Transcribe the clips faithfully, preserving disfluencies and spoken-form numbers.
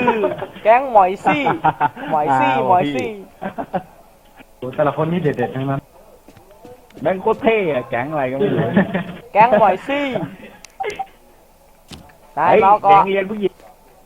คือแก๊งหมอยซี่หมอยซี่หมอยซี่โอ้แต่ละคนนี่เด็ดๆทั้งนั้นแบงค์โคตรเท่อะแก๊งอะไรก็ไม่รู้แก๊งหมอยซี่นายเฮ้ยเมาแก๊เกาะงเรียนผู้หญิง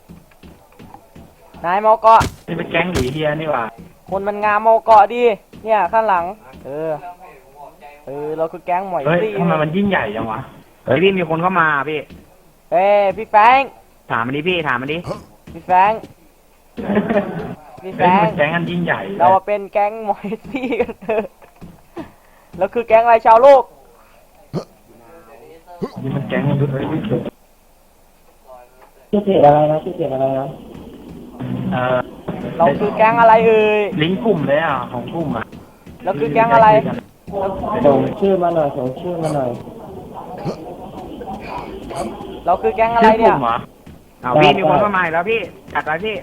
นายเมาเกาะนี่เป็นแก๊งหลีเฮียนี่หว่าคนมันงามเมาเกาะดีเนี่ยข้างหลังเออเออเราคือแก๊งหมอยเฮ้ยซี่ทำไมมันยิ่งใหญ่จังวะเฮ้ยพี่มีคนเข้ามาพี่เอ้ยพี่แฟงถามมันดิพี่ถามมันดิพี่แฟง พี่แฟเฮ้ยงมันแก๊งกันยิ่งใหญ่เรามาเป็นแก๊งหมอยซี่กันเถอะเราคือแก๊งอะไรชาวโลกนี่มันแก๊งมนุษย์เลยชื่อเพจอะไรนะชื่อเพจอะไรนะเออเราคือแก๊งอะไรเอ่ยลิงก์กลุ่มเลยอ่ะของกลุ่มอ่ะเราคือแก๊งอะไรส่งชื่อมาหน่อยส่งชื่อมาหน่อยเราคือแก๊งอะไรเนี่ยชื่กลุ่มหรอเอาพี่มีคนเข้ามาอีกแล้วพี่จัดไปพี่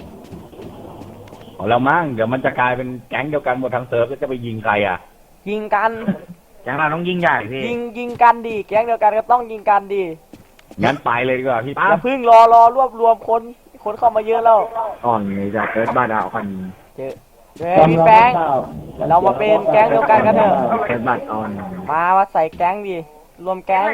เอาแล้วมั้งเดี๋ยวมันจะกลายเป็นแก๊งเดียวกันหมดทั้งเซิร์ฟแล้วจะไปยิงใครอ่ะยิงกันแก๊งเราต้องยิงใหญ่พี่ยิงยิงกันดีแก๊งเดียวกันก็ต้องยิงกันดีงั้นไปเลยดีกว่าพี่อย่าเพึ่งรอรอรวบรวมคนคนเข้ามาเยอะแล้วอ่อนเลยจะเกิดบ้านดาวคันเจอเฮ้ยพี่แฟงเรามาเป็นแก๊งเดียวกันกันเถอะเกิดบ้านอ่อนมามาใส่แก๊งดิรวมแก๊ง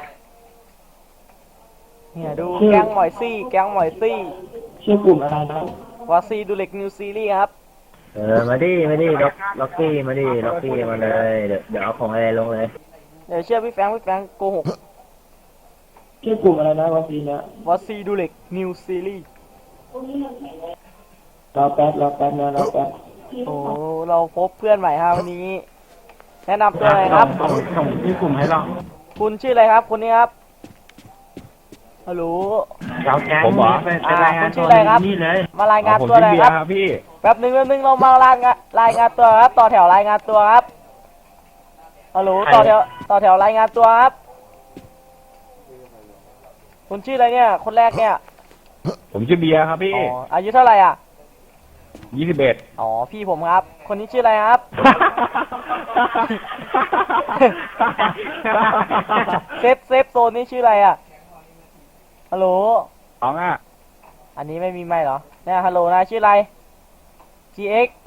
เนี่ยดูแก๊งหมอยซี่แก๊งหมอยซี่ชื่อกลุ่มอะไรนะวาซีดูเล็กนิวซีรีส์ครับเออมาดิมาดิล็อกล็อกกี้มาดิล็อกกี้มาเลยเดี๋ยวเดี๋ยวเอาของอะไรลงเลยเดี๋ยวเชื่อพี่แฟงพี่แฟงโกหกชื่อกลุ่มอะไรนะวันนี้นะวาซีดูเล็กนิวซีรีส์รอแป๊บรอแป๊บนะรอแป๊บโอ้เราพบเพื่อนใหม่ครับวันนี้ แนะนำตัวหน่อยครับส่งส่งที่กลุ่มให้เราคุณชื่ออะไรครับคนนี้ครับฮัลโหลเราแก๊งผมเหรอเป็นเป็นรายงานคุณชื่ตัอวอะไรครับนี่เลยมารายงานผมตัวหชื่น่ออยเบีคยรับร์ครับพี่แป๊บหนึ่งแป๊บหนึ่งเรามารายงานรายงานตัวครับต่อแถวรายงานตัวครับฮัลโหลต่อแถวต่อแถวรายงานตัวครับคุณชื่ออะไรเนี่ยคนแรกเนี่ยผมชื่อเบียร์ครับพี่อ๋ออายุเท่าไหร่อ่ะยี่สิบเอ็ดอ๋อพี่ผมครับ คนนี้ชื่ออะไรครับ เซฟเซฟโซนนี้ชื่ออะไรอ่ะฮัลโหลสองอ่ะอันนี้ไม่มีไม่เหรอเนี่ยฮัลโหลนายชื่ออะไร จี เอ็กซ์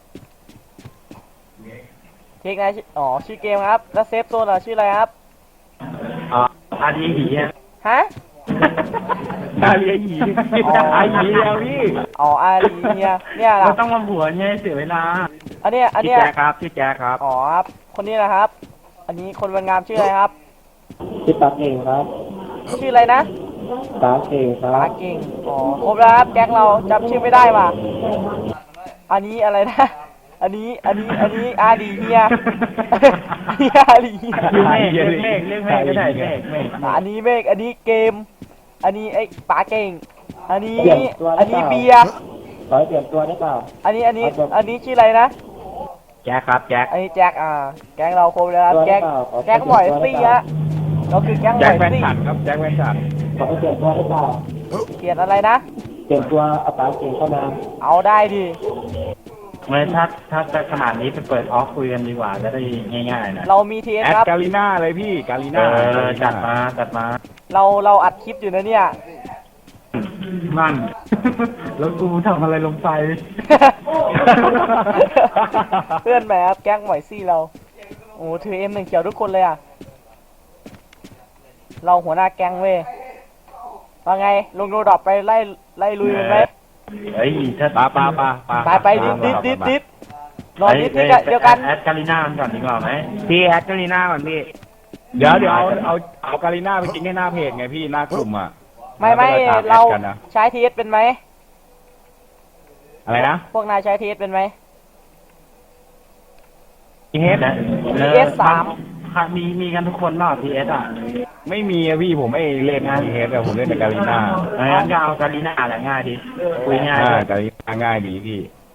เทคนายชื่ออ๋อชื่อเกมครับแล้วเซฟโซนอ่ะชื่ออะไรครับอ๋ออาดีหีอ่ะฮะอาเลียหยีอาหยีแล้วพี่อ๋ออาลีเนี่ยเนี่ยเราล่ะต้องมาผัวเนี่ยเสียเวลาอันเนี้ยอันชื่อเนี้ยแจ๊คครับชื่อแจ๊คครับอ๋อครับคนนี้นะครับ อันนี้คนวันงามชื่ออะไรครับชื่อปากเก่งครับชื่ออะไรนะปากเก่งครัปาบเก่งอ๋อครบแล้วครับแก๊งเราจำชื่อไม่ได้ว่ะอันนี้อะไรนะ อันนี้อันนี้อันนี้อาลีเฮีย เฮียอาลีเฮียชื่อเมฆเรียกเมฆเรียกเมฆก็ได้เมฆเมฆอันนี้เมฆอันนี้เกม อันนี้ไอ้ปาเก่ง อันนี้เปลี่ยนตัวอันนี้เบียร์ขอให้เปลี่ยนตัวได้เปล่าอันนี้อันนี้อันนี้ชื่ออะไรนะแจ๊คครับแจ๊คอันนี้แจ็คอ่า แก๊งเราครบแล้วครับตัวแก๊งได้เปล่าขอแก๊งหมอยซี่ฮะเราคือแก๊งหมแจ็คอยแฟนซี่ฉันครับแจ็คแฟนฉันขอให้เปลี่ยนตัวได้เปล่าเขียนอะไรนะเปลี่ยนตัวเอาปากเก่งเข้ามาเอาได้ดิไม่ถ้าถ้าจะขนาดนี้ไปเปิดออฟคุยกันดีกว่าจะได้ง่ายๆหนะเรามีทีเอสแอดครับกาลิน่าเลยพี่กาลิเอน่าอจัดมาจัดมาเราเราอัดคลิปอยู่นะเนี่ยนั่น แล้วกูทำอะไรลงไปเพื่อนแหมครับแก๊งหมอยซี่เรา โอ้ถือเอ็มหนึ่งเขียวทุกคนเลยอ่ะ เราหัวหน้าแก๊งเว้ยว่าไงลงโรดรอปไปไล่ไล่ลุยมันไหมเฮ้ยถ้าปาปาปาปาไปไปดิดดิดดิดดิดรอดิดดิดเดียวกันแอดกาลิน่าก่อนดีกว่าไหมพี่แอดกาลิน่าก่อนพี่เดี๋ยวเดี๋ยวเอาเอาเอากาลิน่าไปกินให้หน้าเพจไงพี่หน้ากลุ่มอ่ะไม่ไม่แล้วก็ตแอเราดกันนะใช้ทีเอสเป็นไหมอะไรนะพวกนายใช้ทีเอสเป็นไหมทีเอสทีเอสสามมีมีกันทุกคนเนาะทีเอสอ่ะไม่มีอะพี่ผมไม่เล่นทีเอสอะผมเล่นแต่กาลิน่างั้นก็เอากาลิน่าแหละง่ายดีคุยง่ายอ่าเลยกาลิน่าง่ายดีพี่